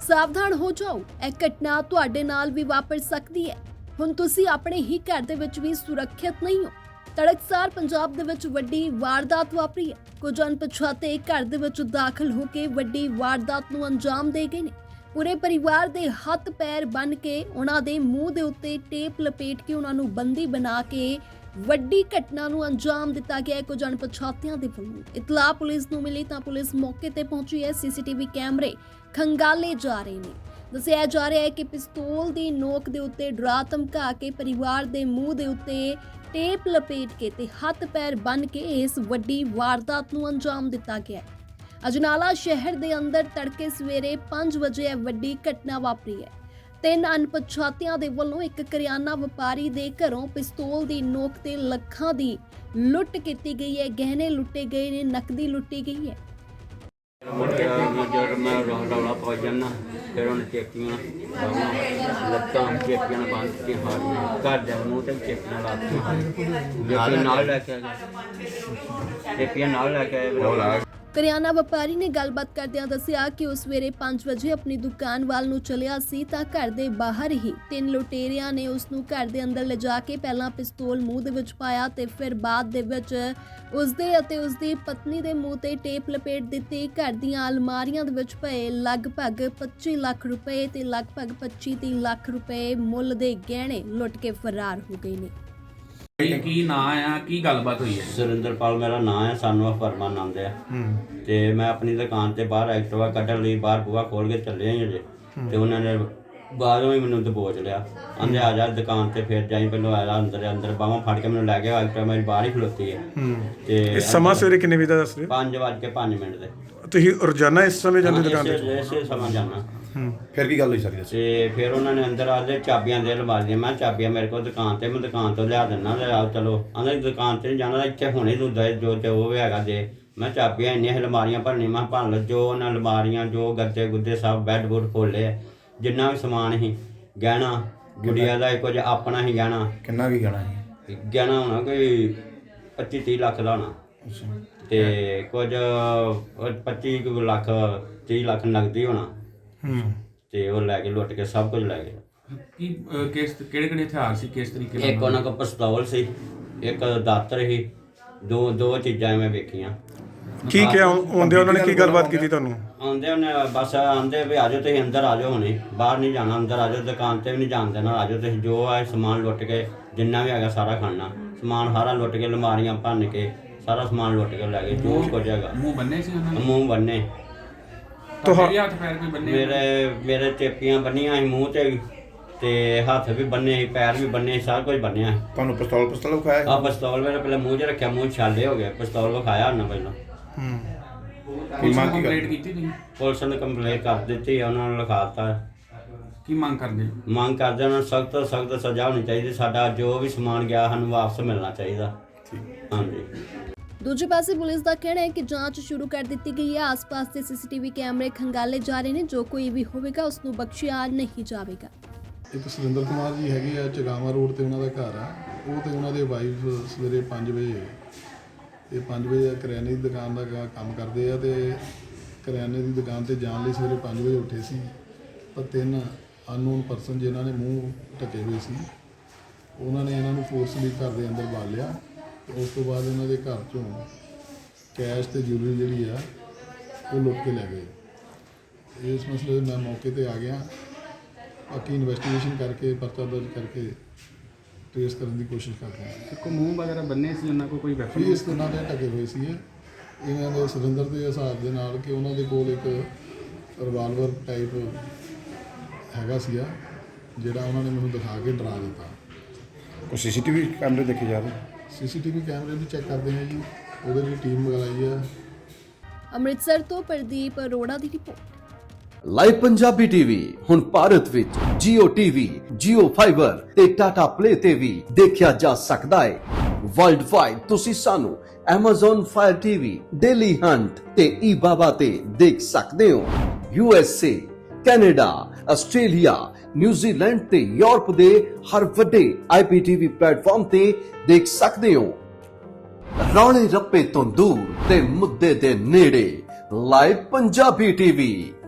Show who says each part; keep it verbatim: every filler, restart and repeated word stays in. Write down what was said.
Speaker 1: ਸਾਵਧਾਨ ਹੋ ਜਾਓ, ਇਹ ਘਟਨਾ ਤੁਹਾਡੇ ਨਾਲ ਵੀ ਵਾਪਰ ਸਕਦੀ ਹੈ। ਹੁਣ ਤੁਸੀਂ ਆਪਣੇ ਹੀ ਘਰ ਦੇ ਵਿੱਚ ਵੀ ਸੁਰੱਖਿਅਤ ਨਹੀਂ ਹੋ। ਤੜਕਸਾਰ ਪੰਜਾਬ ਦੇ ਵਿੱਚ ਵੱਡੀ ਵਾਰਦਾਤ ਵਾਪਰੀ ਹੈ। ਕੁਝ ਅਣਪਛਾਤੇ ਘਰ ਦੇ ਵਿੱਚ ਦਾਖਲ ਹੋ ਕੇ ਵੱਡੀ ਵਾਰਦਾਤ ਨੂੰ ਅੰਜਾਮ ਦੇ ਗਏ ਨੇ। ਪੂਰੇ ਪਰਿਵਾਰ ਦੇ ਹੱਥ ਪੈਰ ਬੰਨ੍ਹ ਕੇ ਉਹਨਾਂ ਦੇ ਮੂੰਹ ਦੇ ਉੱਤੇ ਟੇਪ ਲਪੇਟ ਕੇ ਉਹਨਾਂ ਨੂੰ ਬੰਦੀ ਬਣਾ ਕੇ ਵੱਡੀ ਘਟਨਾ ਨੂੰ ਅੰਜਾਮ ਦਿੱਤਾ ਗਿਆ ਹੈ ਕੁਝ ਅਣਪਛਾਤਿਆਂ ਦੇ ਵੱਲੋਂ। ਇਤਲਾਹ ਪੁਲਿਸ ਨੂੰ ਮਿਲੀ ਤਾਂ ਪੁਲਿਸ ਮੌਕੇ ਤੇ ਪਹੁੰਚੀ ਹੈ। ਸੀਸੀਟੀਵੀ ਕੈਮਰੇ ਖੰਗਾਲੇ ਜਾ ਰਹੇ ਨੇ। ਦੱਸਿਆ ਜਾ ਰਿਹਾ ਹੈ ਕਿ ਪਿਸਤੌਲ ਦੀ ਨੋਕ ਦੇ ਉੱਤੇ ਡਰਾ ਧਮਕਾ ਕੇ ਪਰਿਵਾਰ ਦੇ ਮੂੰਹ ਦੇ ਉੱਤੇ ਟੇਪ ਲਪੇਟ ਕੇ ਤੇ ਹੱਥ ਪੈਰ ਬੰਨ੍ਹ ਕੇ ਇਸ ਵੱਡੀ ਵਾਰਦਾਤ ਨੂੰ ਅੰਜਾਮ ਦਿੱਤਾ ਗਿਆ ਹੈ। ਅਜਨਾਲਾ ਸ਼ਹਿਰ ਦੇ ਅੰਦਰ ਤੜਕੇ ਸਵੇਰੇ ਪੰਜ ਵਜੇ ਇਹ ਵੱਡੀ ਘਟਨਾ ਵਾਪਰੀ ਹੈ। ਤਿੰਨ ਅਣਪਛਾਤਿਆਂ ਦੇ ਵੱਲੋਂ ਇੱਕ ਕਰਿਆਨਾ ਵਪਾਰੀ ਦੇ ਘਰੋਂ ਪਿਸਤੌਲ ਦੀ ਨੋਕ ਤੇ ਲੱਖਾਂ ਦੀ ਲੁੱਟ ਕੀਤੀ ਗਈ ਹੈ। ਗਹਿਣੇ ਲੁੱਟੇ ਗਏ ਨੇ, ਨਕਦੀ ਲੁੱਟੀ ਗਈ ਹੈ।
Speaker 2: जब मैं रौला पहुँच जाना फिर उन्हें चेकियाँ लत्तां चेकियां बंद के हाथ में घर दे मूँह ते चेकियां लाती नाल लैके चेकियां नाल लैके
Speaker 1: ਕਰਿਆਨਾ ਵਪਾਰੀ ਨੇ ਗੱਲਬਾਤ ਕਰਦਿਆਂ ਦੱਸਿਆ ਕਿ ਉਸ ਸਵੇਰੇ ਪੰਜ ਵਜੇ ਆਪਣੀ ਦੁਕਾਨ ਵੱਲ ਨੂੰ ਚੱਲਿਆ ਸੀ ਤਾਂ ਘਰ ਦੇ ਬਾਹਰ ਹੀ ਤਿੰਨ ਲੁਟੇਰਿਆਂ ਨੇ ਉਸ ਨੂੰ ਘਰ ਦੇ ਅੰਦਰ ਲਿਜਾ ਕੇ ਪਹਿਲਾਂ ਪਿਸਤੌਲ ਮੂੰਹ ਦੇ ਵਿੱਚ ਪਾਇਆ ਤੇ ਫਿਰ ਬਾਅਦ ਦੇ ਵਿੱਚ ਉਸ ਦੇ ਅਤੇ ਉਸ ਦੀ ਪਤਨੀ ਦੇ ਮੂੰਹ ਤੇ ਟੇਪ ਲਪੇਟ ਦਿੱਤੀ। ਘਰ ਦੀਆਂ ਅਲਮਾਰੀਆਂ ਦੇ ਵਿੱਚ ਪਏ ਲਗਭਗ ਪੱਚੀ ਲੱਖ ਰੁਪਏ ਤੇ ਲਗਭਗ ਪੱਚੀ ਤੀਹ ਲੱਖ ਰੁਪਏ ਮੁੱਲ ਦੇ ਗਹਿਣੇ ਲੁੱਟ ਕੇ ਫਰਾਰ ਹੋ ਗਏ ਨੇ।
Speaker 3: ਕੀ ਨਾਂ ਆ, ਕੀ ਗੱਲਬਾਤ ਹੋਈ ਹੈ?
Speaker 2: ਸੁਰਿੰਦਰਪਾਲ ਮੇਰਾ ਨਾਂ ਹੈ, ਸਾਨੂੰ ਫਰਮਾਨ ਆਨੰਦ ਆ ਤੇ ਮੈਂ ਆਪਣੀ ਦੁਕਾਨ ਤੇ ਬਾਹਰ ਐਕਟਿਵਾ ਕੱਢਣ ਲਈ ਬਾਹਰ ਬੂਹਾ ਖੋਲ ਕੇ ਚੱਲੇ ਹਾਂ ਅਜੇ ਤੇ ਉਹਨਾਂ ਨੇ ਬਾਹਰੋਂ ਹੀ ਮੈਨੂੰ ਦਬੋਚ ਲਿਆ। ਆਂਦੇ ਆ ਜਾ ਦੁਕਾਨ ਤੇ ਫਿਰ ਜਾਈ ਪਹਿਲਾਂ ਆਇਆ ਅੰਦਰ ਅੰਦਰ ਬਾਹਾਂ ਫੜ ਕੇ ਮੈਨੂੰ ਲੈ ਗਿਆ। ਐਕਟਿਵਾ ਮੇਰੀ ਬਾਹਰ ਹੀ ਖਲੋਤੀ ਹੈ ਤੇ
Speaker 4: ਇਸ ਸਮਾਂ ਸਵੇਰੇ ਕਿੰਨੇ ਵਜੇ ਦਾ ਦੱਸ ਰਹੇ?
Speaker 2: ਪੰਜ ਵੱਜ ਕੇ ਪੰਜ ਮਿੰਟ ਦੇ।
Speaker 4: ਤੁਸੀਂ ਰੋਜ਼ਾਨਾ ਇਸ ਸਮੇਂ ਜਾਂਦੇ ਦੁਕਾਨ ਤੇ?
Speaker 2: ਇਸੇ ਸਮਾਂ ਜਾਣਾ।
Speaker 5: ਫਿਰ ਕੀ ਗੱਲ ਹੋਈ ਸਾਰੀ?
Speaker 2: ਤੇ ਫਿਰ ਉਹਨਾਂ ਨੇ ਅੰਦਰ ਆ ਕੇ ਚਾਬੀਆਂ ਦੇ ਲਵਾਲੀਆਂ। ਮੈਂ ਚਾਬੀਆਂ ਮੇਰੇ ਕੋਲ ਦੁਕਾਨ ਤੇ, ਮੈਂ ਦੁਕਾਨ ਤੋਂ ਲਿਆ ਦਿੰਦਾ ਤੇ ਆ ਚਲੋ ਆਂਦਾ ਦੁਕਾਨ ਤੇ ਨਹੀਂ ਜਾਣਾ, ਇੱਥੇ ਹੁਣੇ ਤੂੰ ਦੇ ਜੋ ਤੇ ਉਹ ਹੈਗਾ ਦੇ। ਮੈਂ ਚਾਬੀਆਂ ਇੰਨੀਆਂ ਅਲਮਾਰੀਆਂ ਭਰਨੀ, ਮੈਂ ਭਰ ਲਓ ਜੋ ਉਹਨਾਂ ਅਲਮਾਰੀਆਂ ਜੋ ਗੱਦੇ ਗੁੱਦੇ ਸਭ ਬੈੱਡ ਬੁੱਡ ਖੋਲੇ, ਜਿੰਨਾ ਵੀ ਸਮਾਨ ਸੀ ਗਹਿਣਾ ਗੁੜੀਆ ਦਾ ਕੁਝ ਆਪਣਾ ਹੀ ਗਹਿਣਾ।
Speaker 5: ਕਿੰਨਾ ਕੀ ਗਹਿਣਾ ਸੀ?
Speaker 2: ਗਹਿਣਾ ਹੋਣਾ ਕੋਈ ਪੱਚੀ ਤੀਹ ਲੱਖ ਦਾ ਹੋਣਾ ਤੇ ਕੁਝ ਪੱਚੀ ਕੁ ਲੱਖ ਤੀਹ ਲੱਖ ਨਗਦੀ ਹੋਣਾ ਤੇ ਉਹ ਲੈ ਕੇ ਲੁੱਟ ਕੇ ਸਭ ਕੁਝ ਲੈ ਗਏ।
Speaker 3: ਕੀ ਕਿਸ ਕਿਹੜੇ ਕਿਹੜੇ ਹਥਿਆਰ ਸੀ, ਕਿਸ ਤਰੀਕੇ ਨਾਲ?
Speaker 2: ਇੱਕ ਉਹਨਾਂ ਕੋਲ ਪਿਸਤੌਲ ਸੀ, ਇੱਕ ਦਾਤਰ ਸੀ, ਦੋ ਦੋ ਚੀਜ਼ਾਂ ਮੈਂ ਵੇਖੀਆਂ।
Speaker 4: ਕੀ ਕਿਹਾ ਆਉਂਦੇ ਉਹਨਾਂ ਨੇ, ਕੀ ਗੱਲਬਾਤ ਕੀਤੀ ਤੁਹਾਨੂੰ?
Speaker 2: ਆਉਂਦੇ ਉਹਨੇ ਬਸ ਆਂਦੇ ਵੀ ਆਜੋ ਤੁਸੀਂ ਅੰਦਰ ਆ ਜਾਓ, ਹੁਣੇ ਬਾਹਰ ਨਹੀਂ ਜਾਣਾ, ਅੰਦਰ ਆ ਜਾਓ, ਦੁਕਾਨ ਤੇ ਵੀ ਨਹੀਂ ਜਾਣ ਦੇਣਾ, ਆ ਜਾਓ ਤੁਸੀਂ। ਜੋ ਆ ਸਮਾਨ ਲੁੱਟ ਕੇ ਜਿੰਨਾ ਵੀ ਹੈਗਾ ਸਾਰਾ ਖਾਣਾ ਸਮਾਨ ਸਾਰਾ ਲੁੱਟ ਕੇ ਅਲਮਾਰੀਆਂ ਭੰਨ ਕੇ ਸਾਰਾ ਸਮਾਨ ਲੁੱਟ ਕੇ ਲੈ ਗਏ ਜੋ ਕੁਝ ਹੈਗਾ।
Speaker 3: ਮੂੰਹ ਬੰਨੇ ਸੀ ਉਹਨਾਂ ਨੇ?
Speaker 2: ਮੂੰਹ ਬੰਨੇ।
Speaker 3: ਤੁਹਾਡੇ ਹੱਥ ਪੈਰ ਕੋਈ ਬੰਨੇ?
Speaker 2: ਮੇਰੇ ਮੇਰੇ ਚੇਪੀਆਂ ਬੰਨੀਆਂ ਸੀ ਮੂੰਹ ਤੇ ਤੇ ਹੱਥ ਵੀ ਬੰਨੇ ਸੀ, ਪੈਰ ਵੀ ਬੰਨੇ ਸੀ, ਸਾਰਾ ਕੁਝ ਬੰਨਿਆ।
Speaker 5: ਤੁਹਾਨੂੰ ਪਿਸਤੌਲ ਪਿਸਤੌਲ ਵਿਖਾਇਆ?
Speaker 2: ਆ ਪਿਸਤੌਲ ਮੇਰੇ ਪਹਿਲਾਂ ਮੂੰਹ 'ਚ ਰੱਖਿਆ, ਮੂੰਹ ਛਾਲੇ ਹੋ ਗਏ। ਪਿਸਤੌਲ ਵਿਖਾਇਆ ਉਹਨਾਂ ਪਹਿਲਾਂ।
Speaker 3: ਕੀ ਮੰਗ ਕੰਪਲੀਟ ਕੀਤੀ ਤੁਸੀਂ?
Speaker 2: ਪੁਲਿਸ ਨੇ ਕੰਪਲੇਂਟ ਕਰ ਦਿੱਤੀ, ਉਹਨਾਂ ਨੂੰ ਲਿਖਾ ਦਿੱਤਾ।
Speaker 3: ਕੀ ਮੰਗ ਕਰਦੇ?
Speaker 2: ਮੰਗ ਕਰਦੇ ਉਹਨਾਂ ਨੂੰ ਸਖਤ ਤੋਂ ਸਖਤ ਸਜ਼ਾ ਹੋਣੀ ਚਾਹੀਦੀ। ਸਾਡਾ ਜੋ ਵੀ ਸਮਾਨ ਗਿਆ ਸਾਨੂੰ ਵਾਪਸ ਮਿਲਣਾ ਚਾਹੀਦਾ। ਹਾਂਜੀ।
Speaker 1: ਦੂਜੇ ਪਾਸੇ ਪੁਲਿਸ ਦਾ ਕਹਿਣਾ ਹੈ ਕਿ ਜਾਂਚ ਸ਼ੁਰੂ ਕਰ ਦਿੱਤੀ ਗਈ ਹੈ। ਆਸ-ਪਾਸ ਦੇ ਸੀਸੀਟੀਵੀ ਕੈਮਰੇ ਖੰਗਾਲੇ ਜਾ ਰਹੇ ਨੇ। ਜੋ ਕੋਈ ਵੀ ਹੋਵੇਗਾ ਉਸ ਨੂੰ ਬਖਸ਼ਿਆ ਨਹੀਂ ਜਾਵੇਗਾ।
Speaker 6: ਇੱਕ ਸੁਰਿੰਦਰ ਕੁਮਾਰ ਜੀ ਹੈਗੇ ਆ, ਚਗਾਵਾ ਰੋਡ ਤੇ ਉਹਨਾਂ ਦਾ ਘਰ ਆ। ਉਹ ਤੇ ਉਹਨਾਂ ਦੇ ਵਾਈਫ ਸਵੇਰੇ ਪੰਜ ਵਜੇ ਇਹ ਪੰਜ ਵਜੇ ਕਰਿਆਨੇ ਦੀ ਦੁਕਾਨ ਦਾ ਕੰਮ ਕਰਦੇ ਆ ਤੇ ਕਰਿਆਨੇ ਦੀ ਦੁਕਾਨ ਤੇ ਜਾਣ ਲਈ ਸਵੇਰੇ ਪੰਜ ਵਜੇ ਉੱਠੇ ਸੀ। ਪਰ ਤਿੰਨ ਅਨਨੋਨ ਪਰਸਨ ਜਿਨ੍ਹਾਂ ਨੇ ਮੂੰਹ ਢਕੇ ਹੋਏ ਸੀ ਉਹਨਾਂ ਨੇ ਇਹਨਾਂ ਨੂੰ ਫੋਰਸਲੀ ਘਰ ਦੇ ਅੰਦਰ ਬਾਲ ਲਿਆ। ਉਸ ਤੋਂ ਬਾਅਦ ਇਹਨਾਂ ਦੇ ਘਰ ਚੋਂ ਕੈਸ਼ ਤੇ ਜੁਐਲਰੀ ਜਿਹੜੀ ਆ ਉਹ ਲੁੱਟ ਕੇ ਲੈ ਗਏ। ਇਸ ਮਸਲੇ 'ਤੇ ਮੈਂ ਮੌਕੇ 'ਤੇ ਆ ਗਿਆ। ਬਾਕੀ ਇਨਵੈਸਟੀਗੇਸ਼ਨ ਕਰਕੇ ਪਰਚਾ ਦਰਜ ਕਰਕੇ ਟ੍ਰੇਸ ਕਰਨ ਦੀ ਕੋਸ਼ਿਸ਼ ਕਰਦੇ ਹਾਂ।
Speaker 3: ਕੋਈ ਮੂੰਹ ਵਗੈਰਾ ਬੰਨੇ ਸੀ ਉਹਨਾਂ ਕੋਲ? ਕੋਈ ਵੈਪਨ?
Speaker 6: ਫੇਸ ਉਹਨਾਂ ਦੇ ਢਕੇ ਹੋਏ ਸੀ ਇਹਨਾਂ ਦੇ ਸੁਰਿੰਦਰ ਦੇ ਹਿਸਾਬ ਦੇ ਨਾਲ ਕਿ ਉਹਨਾਂ ਦੇ ਕੋਲ ਇੱਕ ਰਿਵਾਲਵਰ ਟਾਈਪ ਹੈਗਾ ਸੀਗਾ ਜਿਹੜਾ ਉਹਨਾਂ ਨੇ ਮੈਨੂੰ ਦਿਖਾ ਕੇ ਡਰਾ ਦਿੱਤਾ।
Speaker 5: ਕੋਈ ਸੀਸੀਟੀਵੀ ਕੈਮਰੇ ਦੇਖੇ ਜਾ ਰਹੇ?
Speaker 6: ਸੀਸੀਟੀਵੀ ਕੈਮਰੇ ਵੀ ਚੈੱਕ ਕਰਦੇ ਹਾਂ ਜੀ, ਉਹਦੇ ਲਈ ਟੀਮ ਮੰਗਾਈ ਹੈ।
Speaker 1: ਅੰਮ੍ਰਿਤਸਰ ਤੋਂ ਪ੍ਰਦੀਪ ਅਰੋੜਾ ਦੀ ਰਿਪੋਰਟ।
Speaker 7: ਲਾਈਵ ਪੰਜਾਬੀ ਟੀਵੀ ਹੁਣ ਭਾਰਤ ਵਿੱਚ ਜੀਓ ਟੀਵੀ, ਜੀਓ ਫਾਈਬਰ ਤੇ ਟਾਟਾ ਪਲੇ ਤੇ ਵੀ ਦੇਖਿਆ ਜਾ ਸਕਦਾ ਹੈ। ਵਰਲਡ ਵਾਈਡ ਤੁਸੀਂ ਸਾਨੂੰ Amazon Fire T V, Dailyhunt ਤੇ ਈ ਬਾਬਾ ਤੇ ਦੇਖ ਸਕਦੇ ਹੋ। U S A, Canada, Australia, New Zealand ਤੇ ਯੂਰਪ ਦੇ ਹਰ ਵੱਡੇ ਆਈ ਪੀ ਟੀ ਵੀ ਪਲੇਟਫਾਰਮ ਤੇ ਦੇਖ ਸਕਦੇ ਹੋ। ਰੌਲੇ ਰੱਪੇ ਤੋਂ ਦੂਰ ਤੇ ਮੁੱਦੇ ਦੇ ਨੇੜੇ ਲਾਈਵ ਪੰਜਾਬੀ ਟੀਵੀ।